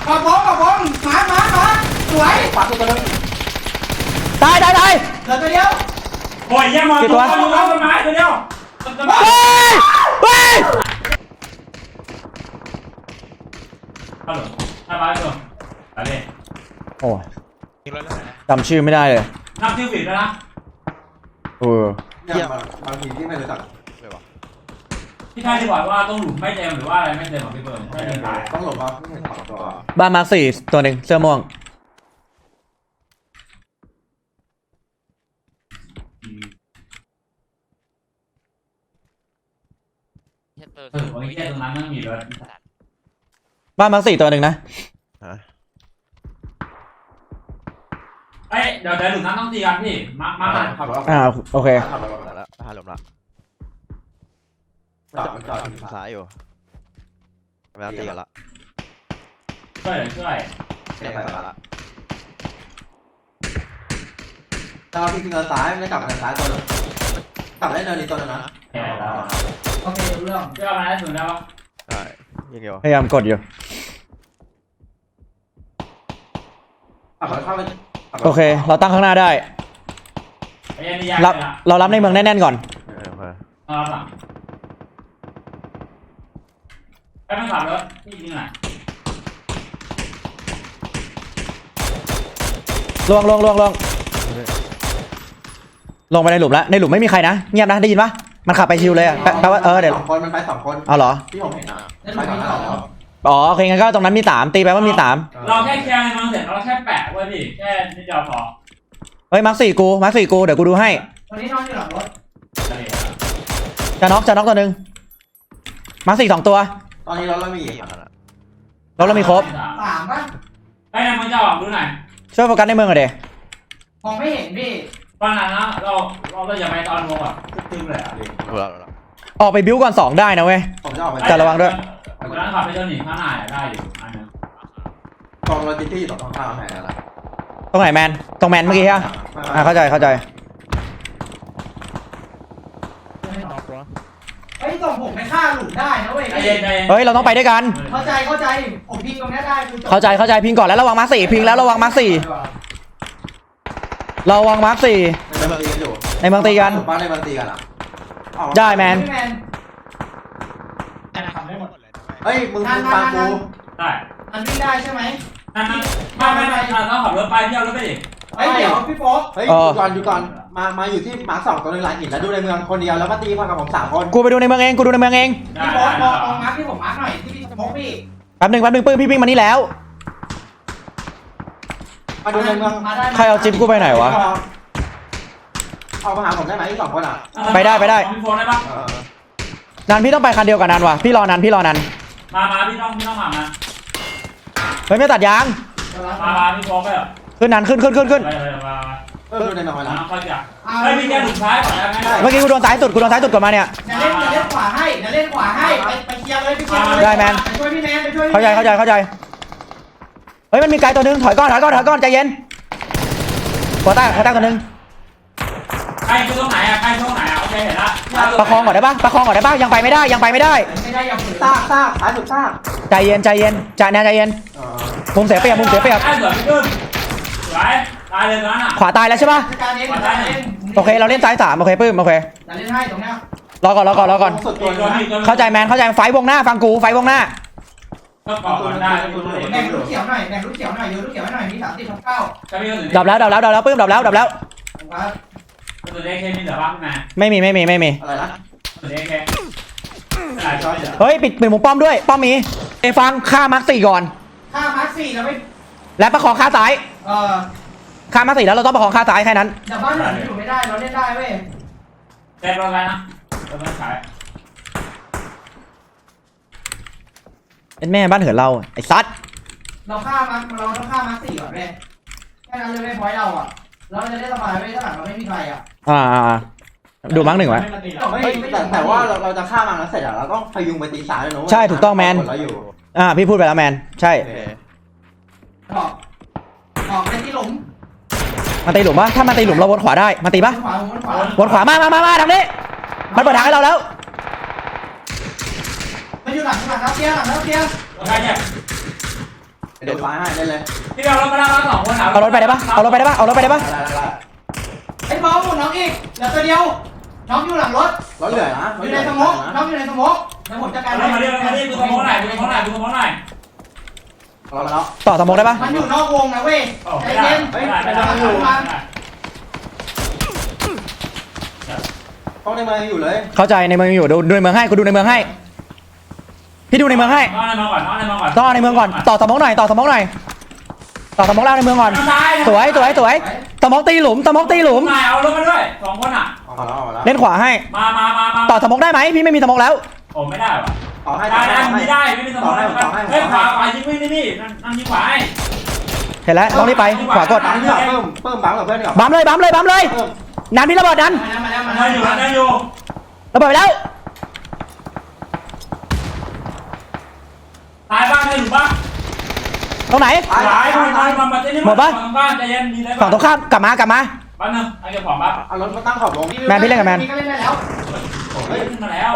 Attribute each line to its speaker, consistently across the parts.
Speaker 1: กระบองมาสวย
Speaker 2: ขวาตัวนึง
Speaker 3: ตาย
Speaker 1: เหลือตัวเดียว
Speaker 4: โอ้ยยังมาตัวต้นไม้ตัวเดียว
Speaker 3: เฮ้ย
Speaker 4: ฮัลโหลทำอะไรตัวอะไร
Speaker 3: โอ้ยจำชื่อไม่ได้เลย
Speaker 4: นับชื่อผิดแล้วนะ
Speaker 2: เนี่ยบางทีที่ไม่รู้จัก
Speaker 4: พี่ชายที่บอกว่าต้องหลุมไม่เต็มหรือว่าอะไรไม่เต็มของพี่เบิร์ดไม่เต็มตาย
Speaker 2: ต้องหลบมาไม่เห็นสองตัว
Speaker 3: บ้านมาร์คสี่ตัวหนึ่งเสื้อม่วง
Speaker 4: โอ้ยแค่ตรงนั้นไม่มีเลย
Speaker 3: บ้านมาร์คสี่ตัวหนึ่งนะ
Speaker 4: เอ้ยเดี๋ยวหลุมนั้นต้องตีกันพี่มา
Speaker 2: ขับรถ
Speaker 3: โอเค
Speaker 2: ขับรถ
Speaker 5: แล้วพาลมละ
Speaker 2: จอด
Speaker 5: ซ้ายอยู่เวลาตีกันละ
Speaker 4: ช่วย
Speaker 2: เนี่ยไปละตอนที่จริงเราซ้ายไม่ได้กลับมาซ้ายตัวนึงกลับได้เนินนี้ตัวนึงนะ
Speaker 4: แย่แล้ว
Speaker 1: โอเครู้เรื่อง
Speaker 4: เชื่อมาได้สุดแล้ว
Speaker 5: ใช่ยิงเดียว
Speaker 3: พยายามกดอยู่
Speaker 2: ขับรถเข้าไป
Speaker 3: โอเค เราตั้งข้างหน้าได้
Speaker 4: ไอ้ยันนี่ยาก
Speaker 3: รับเรารับในเมืองแน่นๆก่อน
Speaker 4: รับหลังไอ้ไม่ขับรถพี่ยิงหน่อย
Speaker 3: ลงไปในหลุมแล้วในหลุมไม่มีใครนะเงียบนะได้ยินปะมันขับไปชิวเลยอะแปลว่าเดี๋ยว
Speaker 2: สองคนมันไปสองคน
Speaker 3: เอาเหรอ
Speaker 2: ที่ผมเห็นนะ
Speaker 1: แล้ว
Speaker 2: ไป
Speaker 1: ดู
Speaker 2: ก่อน
Speaker 1: นี่
Speaker 2: แล้
Speaker 1: ต่อ
Speaker 2: ว
Speaker 3: อ๋อโอเคงั้นก็ตรงนั้นมี3ตีไปว่ามี3
Speaker 4: เราแค่เคลียร์ในเมืองเสร็จเราแค่แปะไว้พี่แค่นิดเดียวพอ
Speaker 3: เฮ้ยมาร์คสี่กูเดี๋ยวกูดูให้
Speaker 1: วันนี้นอนอยู่หลังรถ
Speaker 3: จะน็อกตัวหนึ่งมาร์คสี่2ตัว
Speaker 2: ตอนนี้เรามี
Speaker 3: เรามีครบ
Speaker 1: 3 ป่ะ
Speaker 4: ไอ้นายมึงจะออกดูหน่อย
Speaker 3: ช่วยโฟกัสในเมืองหน่อยเด
Speaker 1: มองไม่เห็นพี่
Speaker 4: ฟังนะเราอย่าไปตอนวงแบบตึ้งเลยอ่ะ
Speaker 3: ออกไปบิ้วก่อน2ได้นะเว้ย
Speaker 2: ผมจะออกไป
Speaker 3: แต่ระวังด้วย
Speaker 4: คนนั้นขับไปเจ้าหนีข้างหน้าได้อยู่อันนึง
Speaker 2: กองโลจิสติกส์อยู่ตรงข้างแผนแล้ว
Speaker 3: ตรงไหนแมนตรงแมนเมื่อกี้ใช่ไหมเข้าใจ
Speaker 1: เฮ้ยส่งผมไปฆ่าหลุมได้นะเว้ย
Speaker 4: ใจเย็น
Speaker 3: เฮ้ยเราต้องไปด้วยกัน
Speaker 1: เข้าใจผมพิงตรงนี้ได้คือ
Speaker 3: เข้าใจพิงก่อนแล้วระวังมาร์คสี่พิงแล้วระวังมาร์คสี่ระวังมาร์คสี่
Speaker 2: ในเมืองตีกันอยู่
Speaker 3: ในเมืองตีกัน
Speaker 2: บ้านในเมืองตีกันอ่ะ
Speaker 3: ได้แมน
Speaker 2: เฮ้ยมึงฟังกู
Speaker 4: ได้
Speaker 1: มันวิ่งได้ใช่ไหม
Speaker 4: นั่นไม่ต้องขับรถไปเที่ยวรถไปดิ
Speaker 1: เฮ้ยเดี๋ยวพี่โป๊ก
Speaker 2: เฮ้ยอยู่ก่อนมาอยู่ที่มาร์ค2ตัวนึงหลังหินแล้วดูในเมืองคนเดียวแล้วมาตีพร้อมกับผม3คน
Speaker 3: กูไปดูในเมืองเอง
Speaker 1: พี่โป๊กมองมาร์คที่ผมมาร์คหน่อยที่พี่โป๊กพี่
Speaker 3: แป๊บหนึ่งปื้มพี่วิ่งมานี่แล้ว
Speaker 2: มาดูในเมือง
Speaker 3: ใครเอาจิ๊บกูไปไหนวะ
Speaker 2: เอามาหาผมได้ไหม2คนอ่ะ
Speaker 3: ไปได้
Speaker 4: มีโฟนได้ปะ
Speaker 3: นันพี่ต้องไปคันเดียวกับนันว่ะพี่รอนัน
Speaker 4: มาพี่ต้องมา
Speaker 3: เฮ้ยไม่ตัดยาง
Speaker 4: มาพี่โฟนไปเหรอ
Speaker 3: ขึ้นนันขึ้น
Speaker 4: ไปมา
Speaker 2: ดูในเมืองไว้แล้ว
Speaker 4: ค่อยจับเฮ้ยพี่แกหลุดซ้ายก่อนได้ไหม
Speaker 3: เมื่อกี้กูโดนซ้ายสุดก่อนมาเนี่ย
Speaker 1: เล่นขวาให้เล่นขวาให้ไปเคลียร์เลยไปเคลียร์เลย
Speaker 3: ได้แมน
Speaker 1: ไปช่วยพี่แมนไปช่วย
Speaker 3: เข้าใจเฮ้ยมันมีไกลตัวนึงถอยก่อนใจเย็นหัวใต้ตัวนึง
Speaker 4: ใครคือตรงไหนอ่ะโอเคเห็นละ
Speaker 3: ประคองก่อนได้ปะยังไปไม่ได้
Speaker 1: ไม่ได้อย่าฝืน
Speaker 2: ซากท้ายสุดซาก
Speaker 3: ใจเย็นใจเย็นมุมเสียเปรียบ
Speaker 4: ได้เหลือพี่ขึ้นสวยตายเลยตอนนั้นอ่ะ
Speaker 3: ขวาตายแล้วใช่ปะ
Speaker 1: การเล่น
Speaker 3: โอเคเราเล่นซ้าย3โอเคปื้มโอเค
Speaker 1: จะเล่นให้ตรงเนี้ย
Speaker 3: รอก่อน
Speaker 2: สุดตัวนี้
Speaker 3: เข้าใจแมนไฟวงหน้าฟังกูไฟวงหน้า
Speaker 4: ก็ก่อนได้
Speaker 1: แบ่งลูกเขียวหน่อยโยนลูกเขียวให้หน่อยมี30/9
Speaker 4: จะมีคนอื่น
Speaker 3: ดับแล้วปื้มดับแล้ว
Speaker 1: ครับ
Speaker 4: ตัวเล็กแค่มีเหลือบ้างไหม
Speaker 3: ไม่มี
Speaker 2: อะไรนะ
Speaker 4: ตัวเล็กแค่หลายช้อย
Speaker 3: เฮ้ยปิดมุมป้อมด้วยป้อมมีฟังฆ่ามาร์คสี่ก่อน
Speaker 1: ถ้ามาร์ค4เราไม่
Speaker 3: และประคองฆ่าซ้ายฆ่ามาร์คสี่แล้วเราต้องประคองฆ่าซ้ายแค่นั้น
Speaker 1: แต่บ้านเราอยู่ไม่ได้เราเล่นได้เว้ย
Speaker 4: เต็มแล้วนะเราไม่ขาย
Speaker 3: เป็นแม่บ้านเหินเราไอ้ซัด
Speaker 1: เราต้องฆ่ามาร์ค4ก่อนเว้ยแค่นั้นเลยไม่พอยเราอ่ะเราจะได้สบายเว้ยถ้าหลังเราไม่มีใครอ่ะ
Speaker 3: ดูมาร์คหนึ่งไว้
Speaker 2: แต่ว่าเราจะฆ่ามันแล้วเสร็จเราต้องพยุงไปตีซ้ายเลยนะ
Speaker 3: ใช่ถูกต้องแมน พี่พูดไปแล้วแมนใช่
Speaker 1: ออกไปที่หลุม
Speaker 3: มาตีหลุมปะถ้ามาตีหลุมเราวนขวาได้มาตีปะ
Speaker 1: ขวา
Speaker 3: วนขวามาทางนี้มันเปิดทางให้เราแล้ว
Speaker 1: มันอยู่หลังเตียง
Speaker 4: ใครเนี่ย
Speaker 2: เดี๋ยวซ้ายให้ได้เลย
Speaker 4: พี่เอารถมาแล้วสองคน
Speaker 3: เอารถไปได้ปะเอารถไปได้ปะเอารถไปได้ปะ
Speaker 2: ได้
Speaker 1: ไอ้บอลหมดน้องอีกเหลือตัวเดียวน้องอยู่หลังรถ
Speaker 2: รถเหลือนะ
Speaker 1: อยู่ในสมองน้องอยู่ในสมองแล้วผมจัดการ
Speaker 4: มาดิดูสมองหน่อยดูสมองหน่อยดูสมองหน่อย
Speaker 2: รอแล้ว
Speaker 3: ต่อสมองได้ปะ
Speaker 1: มันอยู่นอกวงนะเว้ยใจเย็น
Speaker 4: ไม่ได้
Speaker 2: ห้องในเมืองอยู่เลย
Speaker 3: เข้าใจในเมืองอยู่ดูในเมืองให้กูดูในเมืองให้พี่ดูในเมืองให้
Speaker 4: นอนในเมืองก่อนนอนในเมืองก่อน
Speaker 3: ต่อในเมืองก่อนต่อสมองหน่อยต่อสมองหน่อยต่อสมองล่างในเมืองก่อนสวยสมองตีหลุมสมองตีหลุม
Speaker 4: นายเอารถมาด้วยสองคนอ่ะ
Speaker 2: ออกแล้ว
Speaker 3: เล่นขวาให้
Speaker 4: มา
Speaker 3: ต่อสมองได้ไหมพี่ไม่มีสมองแล้ว
Speaker 4: โอ้ไม่ได้ว่ะ
Speaker 2: ต่อให้
Speaker 4: ได้ไม่ได้ไม่มีสมองเฮ้ยขวายิงไม่ได้พี่นั่นยิงขวาให้
Speaker 3: เห็นแล้วลองนี่ไปขวากด
Speaker 2: บังเพื่อนเพิ่มบังกับเพื่อนก่อน
Speaker 3: บัมเลยนันพี่ระเบิดนัน
Speaker 1: มาแล้ว
Speaker 4: ได้อยู่
Speaker 3: ระเบิดไปแล้ว
Speaker 4: ตายบ้างได้อยู่บ้าง
Speaker 3: ตรงไหน
Speaker 4: ตายมาเต้นนี่บ้านใจเย็นมีอะไร
Speaker 3: ฝั่งตรงข้ามกลับมา
Speaker 4: บ้านนึงไอ้เก็บของบ้าง
Speaker 2: เอารถมาตั้งขอบวง
Speaker 1: ก็เล่นได้แล้ว
Speaker 4: เฮ้ยขึ้นมาแล้ว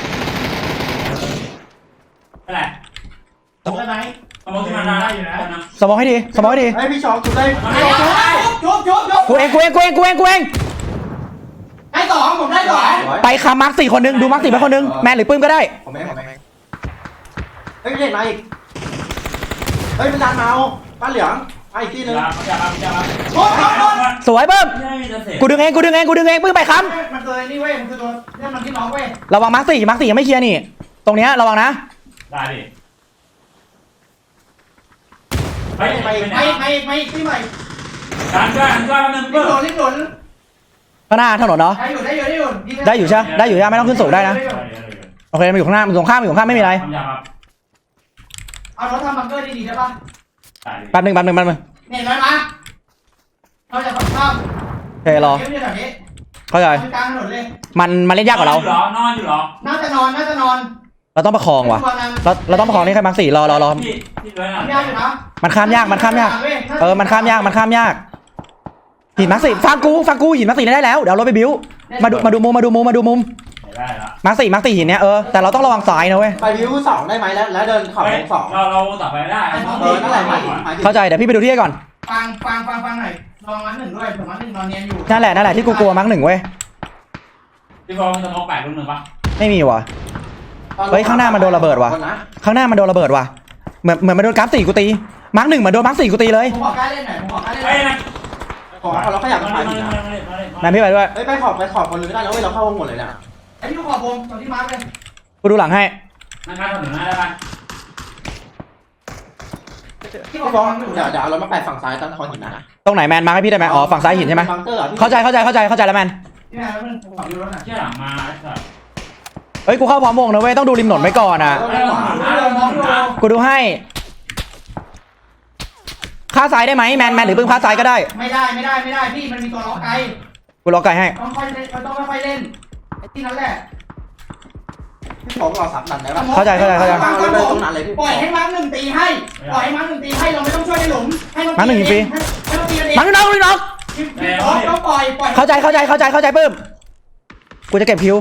Speaker 4: อะไร
Speaker 1: จบได้ไหม
Speaker 4: สมองที่มันได้อยู่นะ
Speaker 3: สมองให้ดี
Speaker 2: เฮ้ยพี่ชองจุดได้
Speaker 1: จุบ
Speaker 3: กูเอง
Speaker 1: ได้สองผมได้สอง
Speaker 3: ไปคามาร์ค4คนนึงดูมาร์ค4ไปคนนึงแมนหรือปื้มก็ได้
Speaker 2: ผมเองเฮ้ยเล่นมาอีกเฮ้ยมันดันมาเอาป้าเหลืองไอ้ที่นึง
Speaker 3: สวยปื้มกูดึงเองปื้มไปค้
Speaker 1: มันตัวนี่เว้ยมันคือตัวเรื่องมันที่น้องเว้ย
Speaker 3: ำระวังมาร์ค4ยังไม่เคลียร์นี่ตรงเนี้ยระวังนะ
Speaker 4: ได้ดิ
Speaker 1: ไม่ที่ใหม่
Speaker 4: การช่วยมันนึง
Speaker 1: รีบหล่น
Speaker 3: ข้างหน้าถนนเนาะ
Speaker 1: ได้อยู่
Speaker 3: ใช่ไม่ต้องขึ้นสูงได้นะโอเคมันอยู่ข้างหน้ามันตรงข้ามไม่มีอะไร
Speaker 1: เอารถทำบังเกอร์ดีๆได้ป่ะ
Speaker 3: แป๊บนึง
Speaker 1: เนี่ยน้อยมาเราจะฝั่งข้าม
Speaker 3: โอเครอ
Speaker 1: เดี๋ยวแบบนี้
Speaker 3: เข้าใจ
Speaker 1: กลางถนนเลย
Speaker 3: มันเล่นยากกว่าเรา
Speaker 4: นอนอยู่หรอ
Speaker 1: น่าจะนอน
Speaker 3: เราต้องประคองว่ะเราต้องประคองนี่แค่มาร์ค4รอ
Speaker 4: พี่ด้วยนะ
Speaker 1: ยากอยู่นะ
Speaker 3: มันข้ามยากมันข้ามยากหินมาร์ค4ฟังกูหินมาร์ค4ได้แล้วเดี๋ยวรถไปบิ้วมาดูมุม
Speaker 4: ได้ละ
Speaker 3: มาร์ค4หินเนี้ยแต่เราต้องระวังซ้ายนะเว้ย
Speaker 2: ไปวิว2ได้ไหมแล้วเดินขอบวง2
Speaker 4: เราต่อไปได้
Speaker 2: นั่นแหละหมายถึง
Speaker 3: เข้าใจเดี๋ยวพี่ไปดูที่ก่อน
Speaker 1: ฟังหน่อยลองมันหนึ่งด้วยผมมันหนึ่งนอนเนียนอยู่
Speaker 3: นั่นแหละที่กูกลัวมาร์ค1เว้ย
Speaker 4: พี่ฟองจะมองแปดรุ่นหนึ่งปะ
Speaker 3: ไม่มีว่ะข้างหน้ามันโดนระเบิดว่ะเหมือนมันโดนกราฟ4กูตีมาร์ค1เหมือนโดนมาร์ค4กูตีเลย
Speaker 1: ผมขอกล้าเล่นหน่อย
Speaker 4: เฮ้ยนะ
Speaker 2: ขอเราขยับไป
Speaker 3: แมนพี่ไปด้วย
Speaker 2: เฮ้ยไปขอบคนนึงได้แล้วเว้ยเราเข้าวงหมดเลยเนี่ย
Speaker 1: ไอ้ที่ลูกขอบวงตรงที่มาร์กเลย
Speaker 3: กูดูหลังให้
Speaker 4: นั่งข้างถนนได้ปะ
Speaker 2: พี่บอกเดี๋ยวเรามาแปะฝั่งซ้ายตั้งคอนหินนะ
Speaker 3: ตรงไหนแมนมาร์คให้พี่ได้ไหมอ๋อฝั่งซ้ายหินใช่ไหม
Speaker 2: บังเกอร์
Speaker 3: เข้าใจแล้วแมน
Speaker 1: พี่แม่แล้วมันขอบดูรถหน่อย
Speaker 4: เชี่ยหลังมาไอ้สัส
Speaker 3: เฮ้ยกูเข้าพร้อมวงนะเว้ยต้องดูริมถนนไว้ก่อนอ่ะกูดูให้ค่าซ้ายได้ไหมแมนหรือปื้มค่าซ้ายก็ได้
Speaker 1: ไม่ได้พี่มันมีตัวล็อกไก
Speaker 3: กูล็อกไก่ให้
Speaker 1: ต้องค่อยเล่นไอ้ที่นั่นแหละ
Speaker 2: พี่บอกเราสับดันได้ปะ
Speaker 3: เข้าใจ
Speaker 2: ตรงนั้นเลยพี่
Speaker 1: ปล่อยให้มาร์กหนึ่งตีให้เราไม่ต้องช่วยในหลุมให้มัน
Speaker 3: มาร์ค1ยิงฟรี
Speaker 1: ให้มันตีเอง
Speaker 3: มาร์ค1น็อก
Speaker 1: ต้องปล่อย
Speaker 3: เข้าใจปื้มกูจะเก็บคิว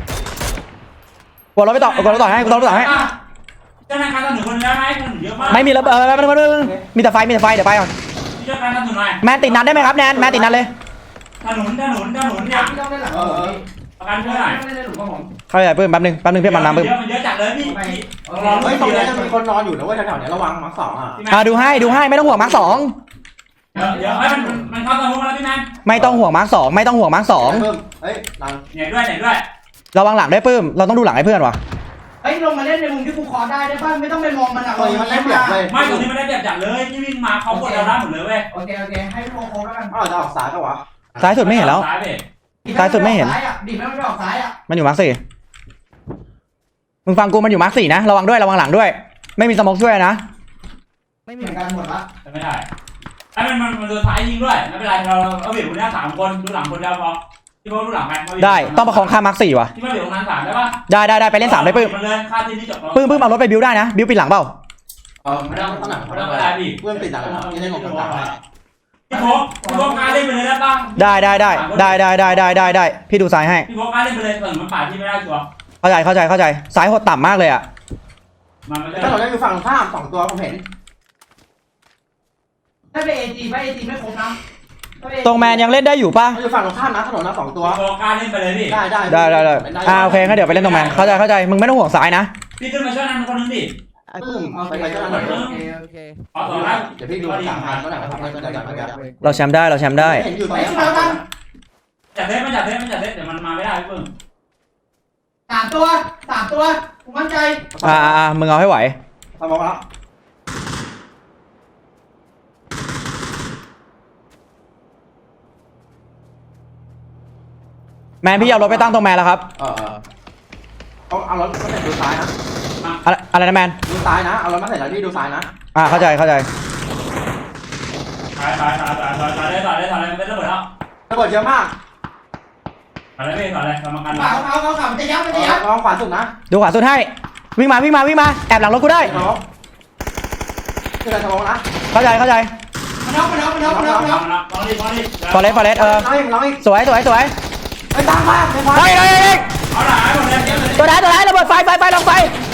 Speaker 3: กูรถไปต่อให้
Speaker 4: เจ้าหน้าที่ถนนคนได้ไหมถนนเยอะมาก
Speaker 3: ไม่มีระเบิดมีแต่ไฟเดี๋ยวไปก่อน
Speaker 4: เจ้าหน้าที่ถนนหน่อย
Speaker 3: แมนติดนัดได้ไหมครับแนนติดนัดเลย
Speaker 4: ถนนเนี่ย
Speaker 1: พี่ต้องเล่นหลังผม
Speaker 4: ประกันช่วยหน่อย
Speaker 1: ไม่ได้หลุมกับผม
Speaker 3: เข้าใจปื้มแป๊บนึงเพื่อนมันมาปื้ม
Speaker 4: มันเยอะจัดเลยพี่
Speaker 2: เฮ้ยตรงนี้จะมีคนนอนอยู่นะเว้ยแถวๆนี้ระวังมาร์ค2อ่ะ
Speaker 3: ดูให้ไม่ต้องห่วงมาร์ค2
Speaker 4: เดี๋ยวมันเข้าสมองแล้วพี่แมน
Speaker 3: ไม่ต้องห่วงมาร์ค2
Speaker 2: เฮ้ยนัง
Speaker 4: เหนื่อยด้วย
Speaker 3: ระวังหลังด้วยปื้มเราต้องดูหลังให้เพื่อนว่ะ
Speaker 1: เฮ้ยลงมาเล่นในมุมที่กูคอได้ป่ะไม่ต้องไปมองมันอ่ะ
Speaker 2: ตรงนี้มันได้เปรียบเลย
Speaker 4: ไม่ตรงนี้ไม่ได้แบบจัดเลยที่วิ่งมาเขากดเราได้หมดเลยเว้ย
Speaker 1: โอเคให้โค้งแล้วกัน
Speaker 2: อ้าวจะออกซ้ายปะวะ
Speaker 3: ซ้ายสุดไม่เห็นแล้ว
Speaker 1: ดิไม่ไม่ออกซ้ายอ่ะ
Speaker 3: มันอยู่มาร์ค4มึงฟังกูมันอยู่มาร์ค4นะระวังหลังด้วยไม่มีสโมกช่วยนะ
Speaker 1: ไม่มีเหมือนกันหมดละ
Speaker 4: ไม่ได้ไอ้มันโดนซ้ายยิงด้วยไม่เป็นไรเราเอาเบียดคนนี้3คนดูหลังคนเดียวพอที่พวกดูหลังไป
Speaker 3: ได้ต้องประคองข้ามมาร์ค4ว่ะ
Speaker 4: ที่มาเบียดตรงนั้น3ได้ป่ะ
Speaker 3: ได้ไปเล่น3ได้ปื้ม
Speaker 4: มันเลยค่าที่นี่จบ
Speaker 3: ปื้มเอารถไปบิวได้นะบิวปิดหลังเปล่า
Speaker 2: ไม่ต้องตั้งหนัก
Speaker 4: ไม่ต้องอะไรพี่
Speaker 2: เพื่อนติดหนักแล้วนี่ได้งงต่าง
Speaker 4: พี่โฟกการเล่นไปเลยได้ป่ะ
Speaker 3: ได้พี่ดูซ้ายให้
Speaker 4: พี่โฟกการเล่นไปเลยส่วนมันป่าที่ไม่ได้ชัวร์
Speaker 3: เข้าใจซ้ายโหดต่ำมากเลยอ่ะ
Speaker 4: มันไม่ได้
Speaker 2: ถ้าเราได้อยู่ฝั่งข้าม2ตัวผมเห็น
Speaker 1: ถ้าไปเอจีไม่ครบนะ
Speaker 3: ตรงแมนยังเล่นได้อยู่ป่ะ
Speaker 2: มันอยู่ฝั่งตรงข้ามนะถนนนะ2ตัว
Speaker 4: โฟกัสเล่นไปเลยพี่
Speaker 3: ได้โอเคงั้นเดี๋ยวไปเล่นตรงแมนเข้าใจมึงไม่ต้องห่วงซ้ายนะ
Speaker 4: พี่ขึ้นมาช่วยนั่นคนนึงดิ
Speaker 2: ไอ้ปื้มไปเจ้าหน่อย
Speaker 6: โอเค
Speaker 4: เอาต่อแล้ว
Speaker 2: เดี๋ยวพี่ดู3,000ก็ได้ทำให้มันได้กัน
Speaker 3: เราแชมป์ได้
Speaker 2: เห็นอยู่ตรง
Speaker 1: ไอ้
Speaker 2: นี้
Speaker 1: ชุดเราตั้ง
Speaker 4: จัดเทสเดี๋ยวมันมาไม่ได้พี่เพิ่ง
Speaker 1: 3 ตัวผมมั่นใจ
Speaker 3: มึงเอาให้ไหว
Speaker 2: ทำมาแล้ว
Speaker 3: แมนพี่เอารถไปตั้งตรงแมนแล้วครับ
Speaker 2: เอารถมาใส่ดูซ้ายนะ
Speaker 3: อะไรนะแมน
Speaker 2: ดูซ้ายนะเอารถมาใส่แล้วพี่ดูซ้ายนะ
Speaker 3: เข้าใจ
Speaker 4: ตายเลยไม่ระเบิดแล้ว
Speaker 2: ระเบิดเยอะมาก
Speaker 4: ตายเลยพี่ตายเลยกรรมการ
Speaker 1: เขามันจะยับ
Speaker 2: ลองขวาสุดนะ
Speaker 3: ดูขวาสุดให้วิ่งมาแอบหลังรถกูได้
Speaker 2: น้องคืออะไรทำนะ
Speaker 3: เข้าใจ
Speaker 1: มันน็อก
Speaker 4: มองดิ
Speaker 3: ฟอเรส
Speaker 2: น้องอีก
Speaker 3: สวย
Speaker 2: ไปตามมาไปมา
Speaker 3: เฮ้ย
Speaker 4: เอาหน่อยหมดเลย
Speaker 3: ตัวไหนระเบิดไฟลงไฟ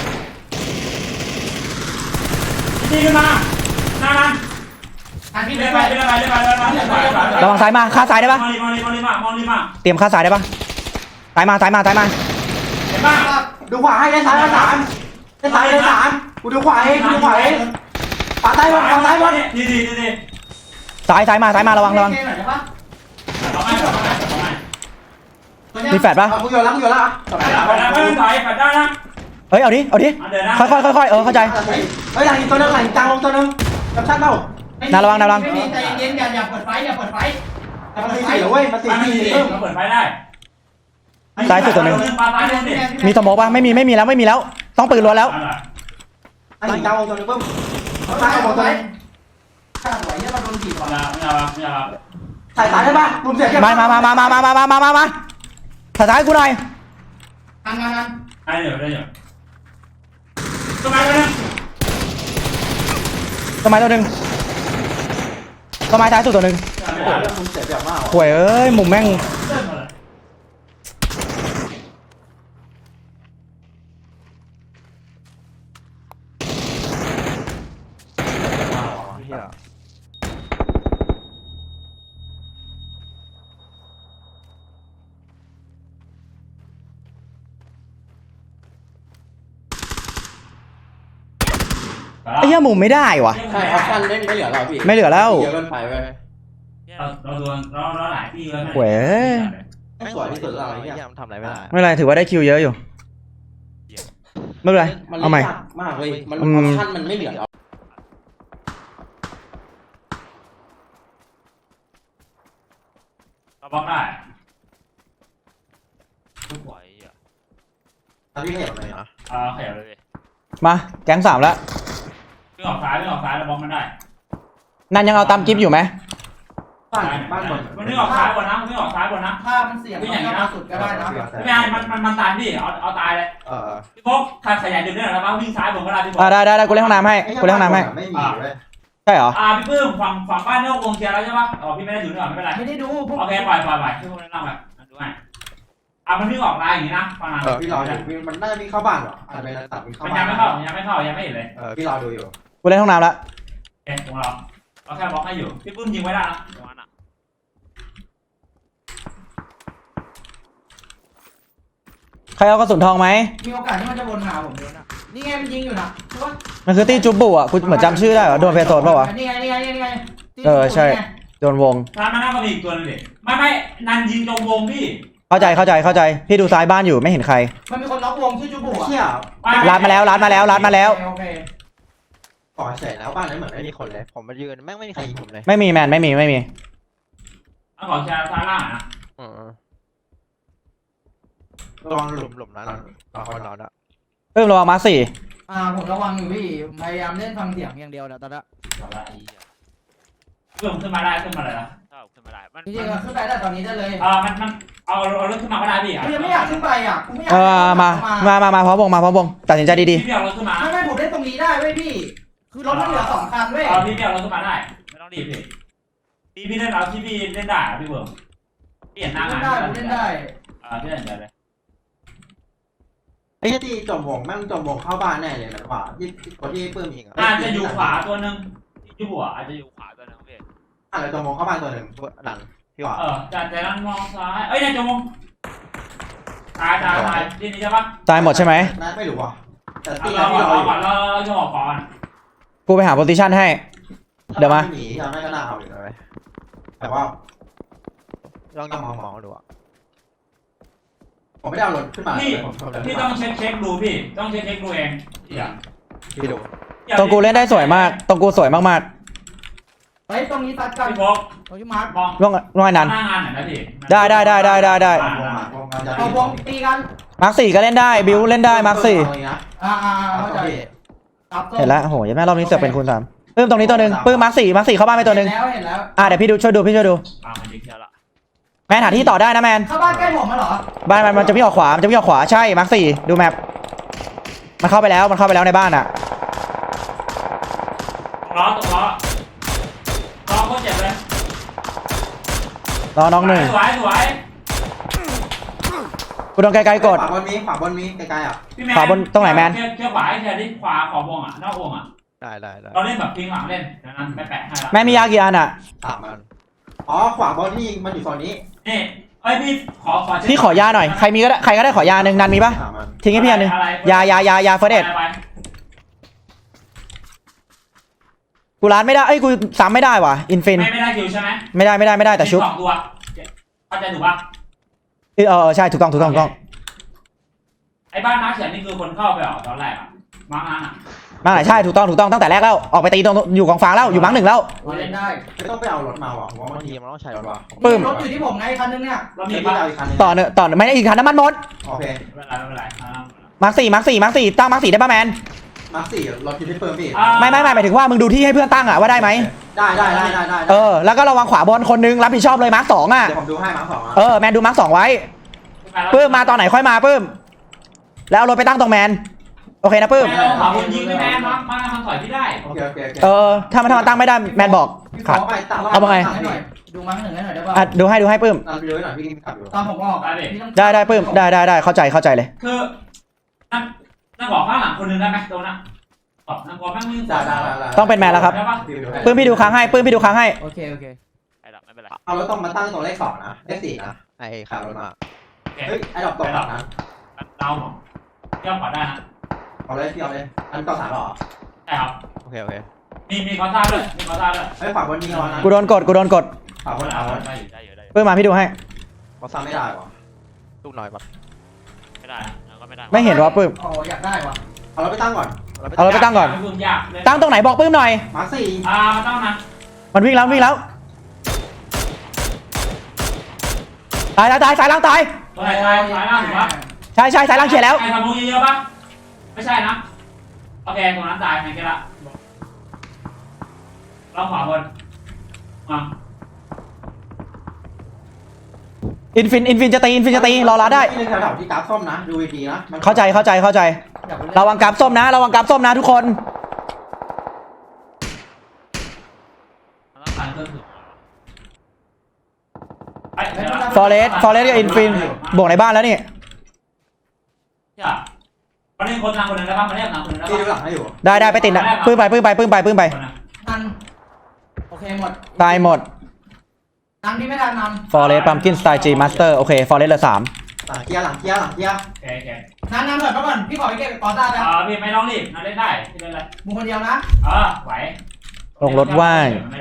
Speaker 4: ดีขึ้นมาหน้ามัน
Speaker 1: อันที่
Speaker 4: เล่
Speaker 1: ไม่
Speaker 4: น
Speaker 1: ไป
Speaker 4: ไป
Speaker 3: ระวังซ้ายมาฆ่าซ้ายได้ปะ
Speaker 4: มองดีมา
Speaker 3: เตรียมฆ่าซ้ายได้ปะซ้ายมา
Speaker 4: เห็นป่ะ
Speaker 2: ดูขวาให้ได้ซ้ายได้3กูดูขวาให้ปาซ้ายหมด
Speaker 4: ดี
Speaker 3: ซ้ายมาระวังมีแฟดปะ
Speaker 2: กูอยู่แล้ว
Speaker 4: ไปแล้วถอยไปได้นะ
Speaker 3: เฮ้ยเอาดิ
Speaker 4: เดินนะ
Speaker 3: ค่อยเข้าใจ
Speaker 2: เฮ้ยหลังอีกตัวนึงหลังจางลงตัวนึงกับชัดเปล่า
Speaker 1: ไม่มีใจเย็นอย่าเปิดไฟ
Speaker 2: มันตี4แล้วเว้ยมันตี
Speaker 4: มัน
Speaker 2: 4
Speaker 4: เปิดไฟได้
Speaker 3: ซ้ายสุดตัวหนึ่ง
Speaker 4: ปาซ้ายดิ
Speaker 3: มีสโมกปะไม่มีแล้วต้องปืนล้วนแล้ว
Speaker 2: ไอ้หลังจางลงตัวนึงปึ้มข้างลงตัวนึง
Speaker 1: ข้าสวยเนี่ยมาโดนถีบก่อน
Speaker 4: อย่า
Speaker 2: ใส่สายได้ป่ะมุมเสียบ
Speaker 3: มาถ่ายซ้ายกูหน่อย
Speaker 1: งาน
Speaker 4: ได้เดี๋ยวทำไมวะเนี่ย
Speaker 3: ต้นไม้ตัวหนึ่งต้นไม้ท้ายสุดตัวหนึ่ง
Speaker 2: มุมเสียบแบบมาก
Speaker 3: ห่วยเอ้ยมุมแม่ง
Speaker 5: เฮีย
Speaker 3: ไอ้เหี้ยมุมไม่ได้วะ
Speaker 2: ใช่ออปชั่นไม่เหลือแล้วพี่
Speaker 3: ไม่เหลือแล้ว
Speaker 2: เยอะเกินไปเว้ย
Speaker 4: เราหลายที่เลย
Speaker 3: ห่วยเอ้ย
Speaker 2: สวยที่สุดอะไรเนี่ย
Speaker 5: เฮียมันทำอะไรไม่ได้
Speaker 3: ไม่เป็นไรถือว่าได้คิวเยอะอยู่ไม่เป็นไร
Speaker 2: มัน
Speaker 3: เอาใหม่
Speaker 2: ยากมากเว้ยมันออปชั่นมันไม่เหลือแล้ว
Speaker 4: เราบล็อกได้
Speaker 5: ไหวอ่ะ
Speaker 2: พี่เห็นไหม
Speaker 5: นะ
Speaker 4: ขยับเลย
Speaker 3: มาแก๊ง3แล้ว
Speaker 4: วิ่งออกซ้ายเราบล็อกมันได้
Speaker 3: นั่นยังเอาตามกิฟต์อยู่ไหม
Speaker 2: บ้านบน
Speaker 4: มันวิ่งออกซ้ายบนนะ
Speaker 1: ถ้ามันเสี่ยงสุดก็ได้นะ
Speaker 4: ไม่ใช่มันตายดิเอาตายเลยพี่พกขยายดึงได้หรอครับวิ่งซ้ายผมก็ได้พี่พก
Speaker 3: ได้กูเล่นห้องน้ำให้ไม่มีเลยใช่เหรอ
Speaker 4: พี่ปื้มฝั่งบ้านนอกวงเคลียร์แล้วใช่ปะพี่ไม่ได้ดูนี่หรอไม่เป็นไร
Speaker 1: ไม่ได้ดู
Speaker 4: โอเคปล่อยพี่พกเล่นล่างไปดูให้มันวิ่งออกลายอย่างนี้นะฟังนะ
Speaker 2: พี่รออยู่มันน่าจะมีเข้าบ้านเหรออาจจะเป็นตัดมีเข้า
Speaker 4: มัน
Speaker 2: บ้าน
Speaker 4: ยังไม่เข้ายังไม่เห็นเลย
Speaker 2: พี่รอดูอยู่
Speaker 3: กูเล่นห้องน้ำแล้ว
Speaker 4: ของเราแค่บล็อกให้อยู่พี่ปื้มยิงไว้ได้นะ
Speaker 3: ใครเอากระสุนทองไหม
Speaker 1: มีโอกาสที่มันจะวนหาผมเลยนะนี่ไงมันยิงอยู่นะใช่ปะ
Speaker 3: มันคือตี้จุบบุอ่ะกูเหมือนจำชื่อได้เหรอโดนเพโซนป่าวะ
Speaker 1: นี่ไง
Speaker 3: ใช่โดนวง
Speaker 4: ร้านมาหน้าก็มีอีกตัวนึงดิไม่นันยิงตรงวงพี่
Speaker 3: เข้าใจพี่ดูซ้ายบ้านอยู่ไม่เห็นใคร
Speaker 1: มันมีคนล็อกวงชื่อจูบุ
Speaker 2: เชี่ย
Speaker 3: ร้านมาแล้ว
Speaker 1: โอเค
Speaker 2: ก่อเสร็จแล้วบ้านนั้นเหมือน
Speaker 5: ไม่
Speaker 2: ไม่
Speaker 5: มี
Speaker 2: มี
Speaker 5: ค
Speaker 2: คน น
Speaker 5: เล
Speaker 2: เลย ย
Speaker 5: ผมมายืนแม่งไม่มีใครยิงผมเลย
Speaker 3: ไม่มีแมนไม่มี
Speaker 4: เอาของแชร์ซ้ายล่างนะ
Speaker 2: ระวังห
Speaker 5: ห
Speaker 2: ลุ
Speaker 5: ลุ
Speaker 2: ม
Speaker 5: มหลุมนั้นคนนอนอ่ะ
Speaker 3: เพิ่มระวังมา4
Speaker 1: ผมระวังอยู่พี่พยายามเล่นฟังเสียงอย่างเดียวนะตอนนี้
Speaker 4: เพิ่มขึ้นมาได้ขึ้นมาเลยนะ
Speaker 5: ขึ้นมาได้มัน
Speaker 1: จริงๆขึ้นไปได้ตอนนี้ได้เลย
Speaker 4: มันเอารถขึ้นมาก็ได้พี่
Speaker 1: กูยังไม่อยากขึ้นไปอ่ะกูไม่อยาก
Speaker 3: มาพร้อมวงตัดสินใจดี
Speaker 4: พี่เอารถขึ้นมา
Speaker 1: ไม่ผมเล่นตรงนี้ได้เว้ยพี่คือรถมันเหลือ2 คันเว้ย
Speaker 4: พี่เอารถขึ้นมาได้ไม่ต้องรีบพี่เล่นเอาที่พี่เล่นได้พี่เบิร์ดพี่เห็นหน้างาน
Speaker 1: เล่นได้
Speaker 4: พี่เล่นได้เลย
Speaker 2: ไอ้ที่จมวงแม่งจมวงเข้าบ้านแน่เลยนะว่าที่คนที่ปื้มอีก
Speaker 4: อาจจะอยู่ขวาตัวนึงที่หัวอาจจะอยู่ขวาตัวนึงพี่
Speaker 2: อะไรตัวมองเข้าบ้านตัวหนึ่งหลังพี่หว่า
Speaker 4: จากนั้นมองซ้ายเอ้ยนายจมงตายที่นี่ใช่ปะ
Speaker 3: ตายหมดใช่ไหม
Speaker 2: ไม่รู้ว่ะแต่ตี
Speaker 4: เรา
Speaker 2: ที่เราอยู่
Speaker 4: ก่อนเราจะออกก่อน
Speaker 3: กูไปหาโพซิชันให้ เดี๋ยวมา
Speaker 2: หนียังไม่ก็น่าเอาอยู่เลยแต่ว่า
Speaker 5: ลองมองดูอ่ะ
Speaker 2: ผมไม่ได้เอารถขึ้นมา
Speaker 4: พี่ต้องเช็คดูพี่ต้องเช็คดูเองอย่า
Speaker 5: พี่ดู
Speaker 3: ตรงกูเล่นได้สวยมากตรงกูสวยมาก
Speaker 1: เฮ้ยตรงนี้ตัดกัน
Speaker 4: พี่พก
Speaker 1: ตรงที่มาร์ค
Speaker 4: มอง
Speaker 3: ๆร่องนั้น
Speaker 4: หน้างานหน่อยนะพี่
Speaker 3: ได้
Speaker 1: เอาวงตีกัน
Speaker 3: มาร์คสี่ก็เล่นได้บิวเล่นได้มาร์คสี่
Speaker 1: เข้าใจตับ
Speaker 3: เห็นแล้วโอ้โหยังแม่รอบนี้เสือกเป็นคูณ 3ปื้มตรงนี้ตัวหนึ่งปื้มมาร์คสี่เข้าบ้านไปตัวหนึ่ง
Speaker 1: เห็นแล้ว
Speaker 3: เดี๋ยวพี่ช่วยดู
Speaker 4: มันยิงเชียวละ
Speaker 3: แมนหาที่ต่อได้นะแมน
Speaker 1: เข้าบ้านใกล้ผมมาเหรอ
Speaker 3: บ้านมันจะวิ่งออกขวาใช่มาร์คสี่ดูแมปมันเข้าไปแล้วในบ้านอ่ะ
Speaker 4: ล้อโคตรเจ็บเลย
Speaker 3: รอน้องหนึ่ง
Speaker 4: สวย
Speaker 3: กูโดนไกลๆกด
Speaker 2: ขวาบนมีไกลๆอ่ะ
Speaker 4: พี่แมน
Speaker 3: ขวาบนตรงไหนแมน
Speaker 4: เชื่อขวาให้เชียร์ที่ขวาขอบวงอ่ะนอกวงอ่ะ
Speaker 5: ได้
Speaker 4: เราเล่นแบบพิงหลังเล่นดังนั้นไม่แปะให้ละ
Speaker 3: แม่มียากี่อันอ่ะ
Speaker 2: 3 มันขวาบนที่มันอยู่โซนนี้
Speaker 4: นี่เอ้ยพี่ขอ
Speaker 3: พี่ขอยาหน่อยใครก็ได้ขอยาหนึ่งนันมีปะ
Speaker 2: 3 มัน
Speaker 3: ทิ้งให้พี่อันหนึงยาเฟิร์สเอ็ดกูร้านไม่ได้กูซ้ำไม่ได้ว่ะอินฟิน
Speaker 4: ไม่ได้คิวใช่ไหม
Speaker 3: ไม่ได้แต่ชุบ
Speaker 4: 2 ตัวเข้าใจถูกปะ
Speaker 3: ใช่ถูกต้อง
Speaker 4: ไอ้บ้านน้าเขียนนี่คือคนเข้าไปเหรอตอนแรกอ่ะมาร์กนั้นอ่ะ
Speaker 3: มาไหนใช่ถูกต้องตั้งแต่แรกแล้วออกไปตีตรงอยู่กองฟางแล้วอยู่มั้งหนึ่งแล้ว
Speaker 1: เล่นได้
Speaker 2: ไม่ต้องไปเอารถมาว่ะผมว่าบางที
Speaker 5: ทีมันต้องใช้
Speaker 2: ร
Speaker 5: ร
Speaker 2: ถ
Speaker 5: ถ
Speaker 2: ว่ะ
Speaker 3: ปึ้ม
Speaker 1: รถอยู่ที่ผมไงคันนึงเนี่ย
Speaker 4: เรา
Speaker 2: มี
Speaker 4: มี
Speaker 2: พี่
Speaker 4: ปะ
Speaker 2: เอาอีกคันนึง
Speaker 3: ต่อไม่ได้อีกคันน้ำมันหมด
Speaker 2: โอเค
Speaker 4: ไม่เป็นไร
Speaker 3: มาร์คสี่ตั้งมาร์คสี่ได้ปะแมน
Speaker 2: มาร์ค4รถอยู่ที่เฟิร์มพี่
Speaker 3: ไม่หมายถึงว่ามึงดูที่ให้เพื่อนตั้งอ่ะว่าได้ไหม
Speaker 2: ได้
Speaker 3: แล้วก็ระวังขวาบนคนนึงรับผิดชอบเลยมาร์คสองอ่ะ
Speaker 2: เดี๋ยวผมดูให้มาร์ค2
Speaker 3: แมนดูมาร์คสองไว้ปื้มมาตอนไหนค่อยมาปื้มแล้วเอารถไปตั้งตรงแมนโอเคนะปื้ม
Speaker 4: ไม่เราขวาบนยิงไม่แม่มามันถอยพี่ได้
Speaker 2: โอเค
Speaker 3: ถ้ามันตั้งไม่ได้แมนบอก
Speaker 2: ขอไปตั้ง
Speaker 1: ดูมั้งหนึ่งให้หน่อยได้ป่ะ
Speaker 3: ดูให้ปื้ม
Speaker 2: ตามดูหน่อยพี่กินขับอยู่
Speaker 1: ตอนผมออก
Speaker 3: ได้ปื้มได้เข้าใจเลย
Speaker 4: คือนั่งบอกข้างหลังคนนึงได้ไหมตัวนั้นบอกนั่งบอกแม่งวิ่ง
Speaker 3: ต้องเป็นแมนแล้วครับปื้มพี่ดูค้างให้
Speaker 1: โอเค
Speaker 5: ไอ้ดอกไม่เป็นไร
Speaker 2: เอารถต้องมาตั้งตรงเลข2นะเลข4นะ
Speaker 5: ไอ้ขับรถมา
Speaker 2: เฮ้ยไอ้ดอกตกนะ
Speaker 4: เราเที่ยวขวาได้นะ
Speaker 2: เอาเลยพี่เอาเลยอันต่อ3หรอ
Speaker 4: ใช่ครับ
Speaker 5: โอเค
Speaker 4: มีคอซ่าด้วย
Speaker 2: เฮ้ยขวาบนยิงเอานะ
Speaker 3: กูโดนกด
Speaker 2: ขวาบนเอา
Speaker 4: ได้อยู่
Speaker 3: ปื้มมาพี่ดูให้
Speaker 2: เขาซ้ำไม่ได้หรอ
Speaker 5: ลูกหน่อยปะ
Speaker 4: ไม่ได้แล้วก็ไม่ได้
Speaker 3: ไม่เห็นว่าปื้ม
Speaker 1: อ๋ออยากได้ว่ะ
Speaker 2: เอารถไปตั้งก่อน
Speaker 3: เอารถไปตั้งก่อน
Speaker 4: ยากเลย
Speaker 3: ตั้งตรงไหนบอกปื้มหน่อย
Speaker 2: มาร์ค4
Speaker 4: มาตั้งนะ
Speaker 3: มันวิ่งแล้วตายสายล่างตาย
Speaker 4: ตัวไหนตายล่างถูกปะ
Speaker 3: ใช่สายล่างเฉียดแล้ว
Speaker 4: ไอ้ทำมุงเยอะปะไม่ใช่นะโอเคตรงนั้นตายไงแกละเราขวาบนมา
Speaker 3: อินฟินจะตีรอรับได้
Speaker 2: ที่แถวๆที่กราฟส้มนะดูดีๆนะ
Speaker 3: เข้าใจระวังกราฟส้มนะทุกคน
Speaker 4: มันต้องการเครื่องถึง
Speaker 3: ฟอเรสกับอินฟินบวกในบ้านแล้วนี่
Speaker 4: วันนี้คนทางคนนึงได้ปะมาเรียกทางคนนึงได้
Speaker 2: ที่ดูห
Speaker 4: ปะ
Speaker 3: ไ
Speaker 2: ลังให้อยู่
Speaker 3: ด้ไปติดนะปื้มไป
Speaker 1: นันโอเคหมด
Speaker 3: ตายหมด
Speaker 1: นันที่ไม่ทันนัน
Speaker 3: ฟอเรสต์ปัมกินสไตล์จีมาสเตอร์โอเคฟอเรสต์เหลือ3
Speaker 2: หลังเกียร์
Speaker 4: โอเค
Speaker 1: นันเถิดมาก่อนพี่ขอไปเก็บกอต้าแล้ว
Speaker 4: พี่ไม่ต้องรีบนะเล่นได้เล่นเลย
Speaker 1: มึงคนเดียวนะ
Speaker 4: ไหว
Speaker 3: ลงรถว่าง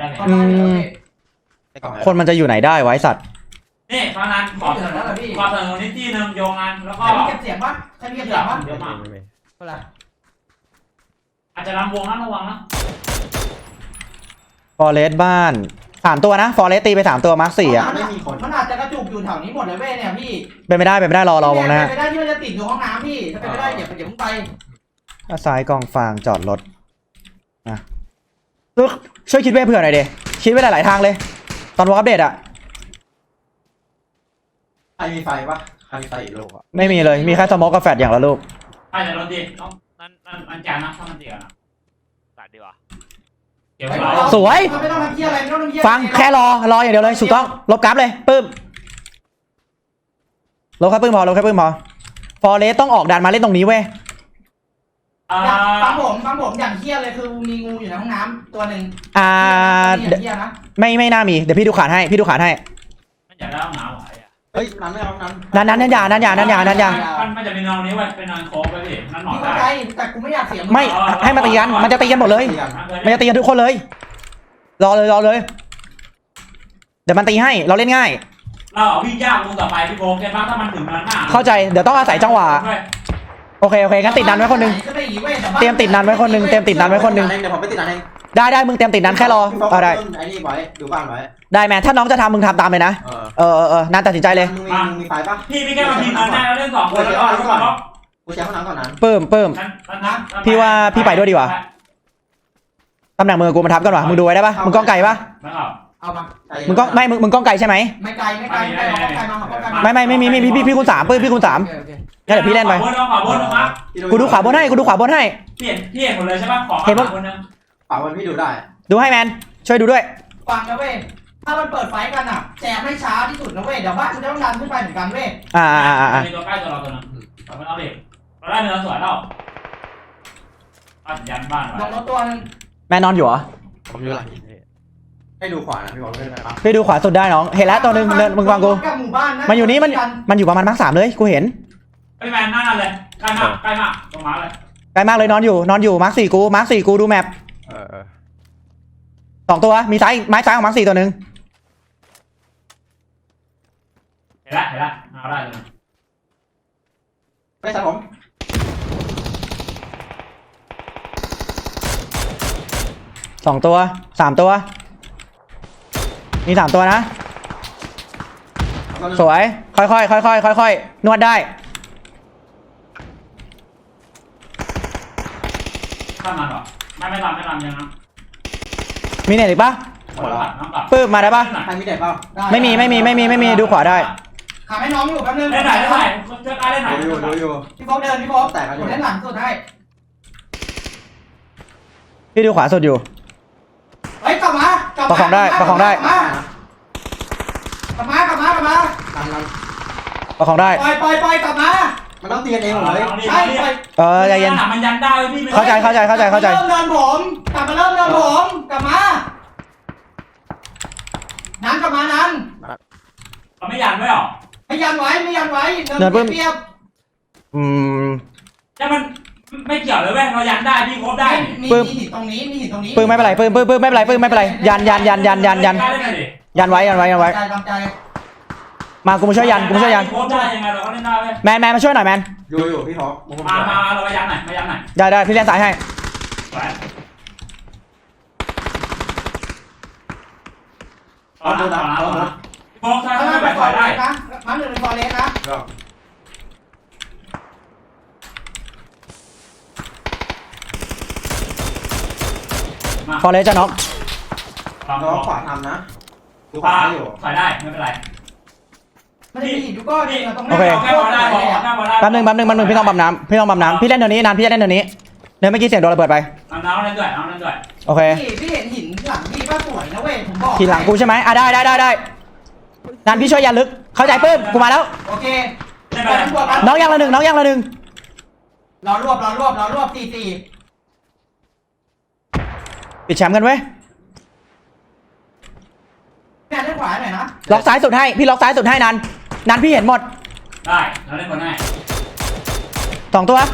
Speaker 3: คนมันจะอยู่ไหนได้ไว้สัตว์
Speaker 4: นี่ตอนนั้นขอเสนอนิตี้นึงโยงงานแล้วก็
Speaker 1: ใครมีเก็บเสียงปะใครมีเก็บเสียงปะ
Speaker 4: เดี๋ยวมา
Speaker 1: อะไร
Speaker 4: อาจจะรำวงนะระวังนะ
Speaker 3: ฟอเรสต์บ้าน3ตัวนะฟอเรสต์ตีไป3ตัวมาร์ค4อ่ะ
Speaker 1: มันอาจจะกระจุกอยู่แถวนี้หมดเลยเว้ยเนี่ยพี่
Speaker 3: เป็นไม่ได้รอวงนะ
Speaker 1: เป็นไปได้ที่มันจะติดอยู่ห้องน้ำพี่ถ้าเป็นไปได้อย่าเพิ่งไป
Speaker 3: ซ้ายกองฟางจอดรถนะช่วยคิดไว้เผื่อหน่อยดิคิดไว้หลายๆทางเลย ตอนวอล์กอัปเดตอ่ะ
Speaker 2: ใครมีไฟปะใครมีไฟอีกลูกอ่ะ
Speaker 3: ไม่มีเลยมีแค่สโมกกับแฟดอย่างละลูก
Speaker 4: ใช่แต่รถดีต้อง
Speaker 5: นั่น
Speaker 4: แจกนะถ้ามันเดียวนะ
Speaker 5: ตัดดีกว่า
Speaker 4: เดี๋ยว
Speaker 3: สวย
Speaker 1: ไม่ต้องทำเพี้ยอะไรไม่ต้องทำเพี้ย
Speaker 3: ฟังแค่รออย่างเดียวเลยถูกต้องลบกราฟเลยปื้มลบแค่ปื้มพอฟอเรสต์ต้องออกดันมาเล่นตรงนี้เว้ย
Speaker 1: ฟังผมอย่างเฮี้ยเลยคือมีงูอยู่ในห้องน้ำตัวหนึ่งเฮี้ยนะ
Speaker 3: ไม่น่ามีเดี๋ยวพี่ดูขาดให้พี่ดูขาดให้
Speaker 4: มันอยากได้ห้องน้ำหรอไอ้
Speaker 2: เฮ้ยนั้นไม่เอานั้น
Speaker 3: นั่นยา
Speaker 4: มันจะเป็นนอนนี้ไว้เป็นนอนโค้งไปพี่นั่นหมอ
Speaker 1: พี่เข้า
Speaker 4: ได้
Speaker 1: ใจแต่กูไม่อยากเสีย
Speaker 3: ไม่ให้มาตีกันมันจะตีกันหมดเลยมันจะตีกันทุกคนเลยรอเลยเดี๋ยวมันตีให้เราเล่นง่าย
Speaker 4: เราเอาวิ่งยากลงต่อไปพี่โค้งใช่ปะถ้ามันถึงนั้นหน้า
Speaker 3: เข้าใจเดี๋ยวต้องอาศัยจังหวะโอเคงั้นติดนันไว้คนนึงเตรียมติดนันไว้คนนึงเดี๋ยว
Speaker 2: ผมไปติดนั้นเอง
Speaker 3: ได้มึงเตรียมติดนันแค่รอได้
Speaker 2: ไอ้นี่ไว้ดูบ้านไว้
Speaker 3: ได้แมนถ้าน้องจะทำมึงทำตามเลยนะนันตัดสินใจเลย
Speaker 2: มึงมีไฟปะ
Speaker 4: พี่แค่มาพิมพ์นั้นได้แล้วเล่น2 คนแล้วก็
Speaker 2: กูใช้ห้องน้ำก่อนนั้น
Speaker 3: เพิ่มพี่ว่าพี่ไปด้วยดีกว่าตำแหน่งมือกูมันทับกันวะมึงดูไว้ได้ปะมึงกล้องไก่ปะ
Speaker 1: เอามา
Speaker 3: มึงกล้องมึงกล้องไก่ใช่ไหม
Speaker 1: ไม่ไกลมา
Speaker 3: ไม่มีพี่คูณ3พี่คูณ3งั้นเดี๋ยวพี่เล่นไป
Speaker 4: ขวาบนมา
Speaker 3: กูดูขวาบนให้
Speaker 4: พี่เห็นหมดเลยใช่ปะขอคนนึง
Speaker 2: ป่าวันพี่ดูได้
Speaker 3: ดูให้แมนช่วยดูด้วย
Speaker 1: ฟังนะเว้ยถ้ามันเปิดไฟกันอ่ะแจกให้ช้าที่สุดนะเว้ยเดี๋ยวบ้านกูจะต้องดันขึ้นไปเหมือนกันเว้ย
Speaker 4: มีตัวใกล้ตัวเราตัวนึงมันเอาเด็กเราได้เนื้อสวยแล้วยันบ้าน
Speaker 1: ลงรถตัวนึง
Speaker 3: แมนนอนอยู่เหรอ
Speaker 5: ผมอยู่หลังหินพี่
Speaker 2: ให้ดูขวานะพี่บอกไม่ได้ปะ
Speaker 3: พี่ดูขวาสุดได้น้องเห็นแล้วตัวนึงเดินมึงฟังกู
Speaker 1: หมู่บ้านนะ
Speaker 3: มันอยู่นี่มันอยู่ประมาณมาร์ค3เลยกูเห็น
Speaker 4: ไอ้แมนหน้าเลยใกล้มากตรงมาเลย
Speaker 3: ไกลมากเลยนอนอยู่มาร์ค4กูดูแมป 2ตัวมีซ้ายไม้ซ้ายของมาร์ค4ตัวนึง
Speaker 4: เห็นละเอาได้เลย
Speaker 2: ไม่ใช่ผม
Speaker 3: 2ตัว3ตัวมี3ตัวนะสวยค่อยนวดได้
Speaker 4: ข้ามมันหรอไม่ทำยังนะ
Speaker 3: มีเน็ตอีกปะ
Speaker 4: หมดแล้วน้องกลับ
Speaker 3: ปื้มมาได้ปะ
Speaker 2: ใครมีเด็กเปล่า
Speaker 3: ไม่มีดูขวาได้
Speaker 1: ขาให้น้องอยู่แป๊บนึง
Speaker 4: เล่นไหนช่วยการเล่นไหน
Speaker 2: ดูอยู่
Speaker 1: พี่โฟกเดินพี่โฟกผมเล่นหลังสุดให้
Speaker 3: พี่ดูขวาสุดอยู่
Speaker 1: เฮ้ยกลับมา
Speaker 3: ประคองได้
Speaker 1: กลับมา
Speaker 2: ดัน
Speaker 3: ประคองได้
Speaker 1: ปล่อยกลับมา
Speaker 2: มันต้องตีกันเองหมดเลย
Speaker 1: ใช่ปล่อย
Speaker 3: ใจเย็น
Speaker 4: มันยันได้พี่
Speaker 3: เข้าใจ
Speaker 1: เริ่มเดินผมกลับมาเริ่มเดินผมกลับมานั้นกลับมานั้น
Speaker 4: เราไม่ยันไว้หรอ
Speaker 1: ไม่ยันไว้เดินเปียบ
Speaker 4: แต่มันไม่เกี่ยวเลยเว้ยเรายันได้พี่ครบได้
Speaker 1: มีหินตรงนี้
Speaker 3: ปื้มไม่เป็นไรปื้มไม่เป็นไรยันไว้
Speaker 1: ตามใจ
Speaker 3: มากูมาช่วยยัน
Speaker 4: ครบได้ยังไงเราก็เล่นได้เว้ย
Speaker 3: แมนมาช่วยหน่อยแมน
Speaker 2: อยู่พี่ท็อป
Speaker 4: มาเราไปยันหน่อย
Speaker 3: ได้พี่เล่นสายให้
Speaker 4: โค้งใช่
Speaker 1: ถ้า
Speaker 4: ไม่
Speaker 1: ไม่
Speaker 4: ไป
Speaker 1: ไป
Speaker 4: ปล่อยได้
Speaker 1: นะมาหนึ่งเป็นฟอเรสนะ
Speaker 3: ฟอร์เรสจะน็อก
Speaker 2: น้องขวาทำนะดูขวาอยู่
Speaker 4: ใส่ได้ไม่เป็นไร
Speaker 1: ไม่ได้หินทุกก้อนนี่เราต้อง
Speaker 3: โอเค
Speaker 4: แค่พอได้
Speaker 3: แป๊บนึงพี่ต้องปั๊มน้ำพี่เล่นเดี๋ยวนี้นานพี่จะเล่นเดี๋ยวนี้เดี๋ยวเมื่อกี้เสียงโดนระเบิดไป
Speaker 4: เอาน้ำนั่นด้วย
Speaker 3: โอเค
Speaker 1: พี่เห็นหินหลังพี่ป้าสวยนะเว้ยผมบอก
Speaker 3: ทีหลังกูใช่ไหมได้นานพี่ช่วยยันลึกเข้าใจปื้มกูมาแล้ว
Speaker 1: โอเค
Speaker 3: น้องยังละหนึ่ง
Speaker 1: รอรวบ4
Speaker 3: ปิดแชมป์กันเว้ย
Speaker 1: แม่เล่นขวาหน่อยนะ
Speaker 3: ล็อกซ้ายสุดให้พี่ล็อกซ้ายสุดให้นันพี่เห็นหมด
Speaker 4: ได้เราเล่นคนให้
Speaker 3: 2ตัว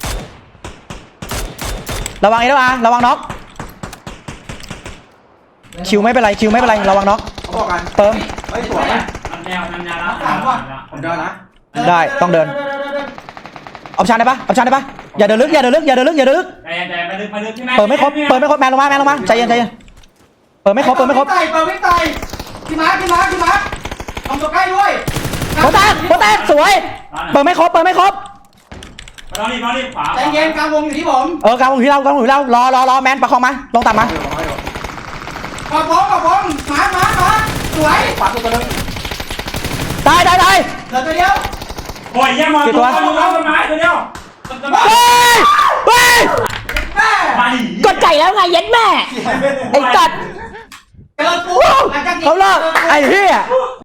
Speaker 3: ระวังระวังน็อกคิวไม่เป็นไรระวังน็อก
Speaker 2: เขาบอกกัน
Speaker 3: เติม
Speaker 2: เฮ้ยสวย
Speaker 4: มันแนวแล้ว
Speaker 2: ผมเดินนะ
Speaker 3: ได้ต้องเดินออปชั่นได้ปะอย่าเดินลึก
Speaker 4: ใจไปลึกที่แม่
Speaker 3: เปิดไม่ครบแมนลงมาใจเย็นเปิดไม่ครบ
Speaker 1: เปิดไม่ตายพี่มาร์คลงตัวใกล้ด้วย
Speaker 3: โปแตกสวยเปิดไม่ครบ
Speaker 4: เรารีบขวา
Speaker 1: ใจเย็นกลางวงอยู่ที่ผม
Speaker 3: กลางวงอยู่ที่เรารอแมนประคองมาลงต่ำมา
Speaker 1: ขอบผมมาสวย
Speaker 2: ขวาตัวนึง
Speaker 3: ได้
Speaker 1: เหลือตัวเดียว
Speaker 4: โอ้ยยังมาตัวต้นไม้ตัวเดียว
Speaker 3: เฮ้ย
Speaker 1: แม่
Speaker 3: กดไก่แล้วไงเย็นแม่ไอ้จัด
Speaker 1: เจอกู
Speaker 3: เขาเลิกไอ้เหี้ย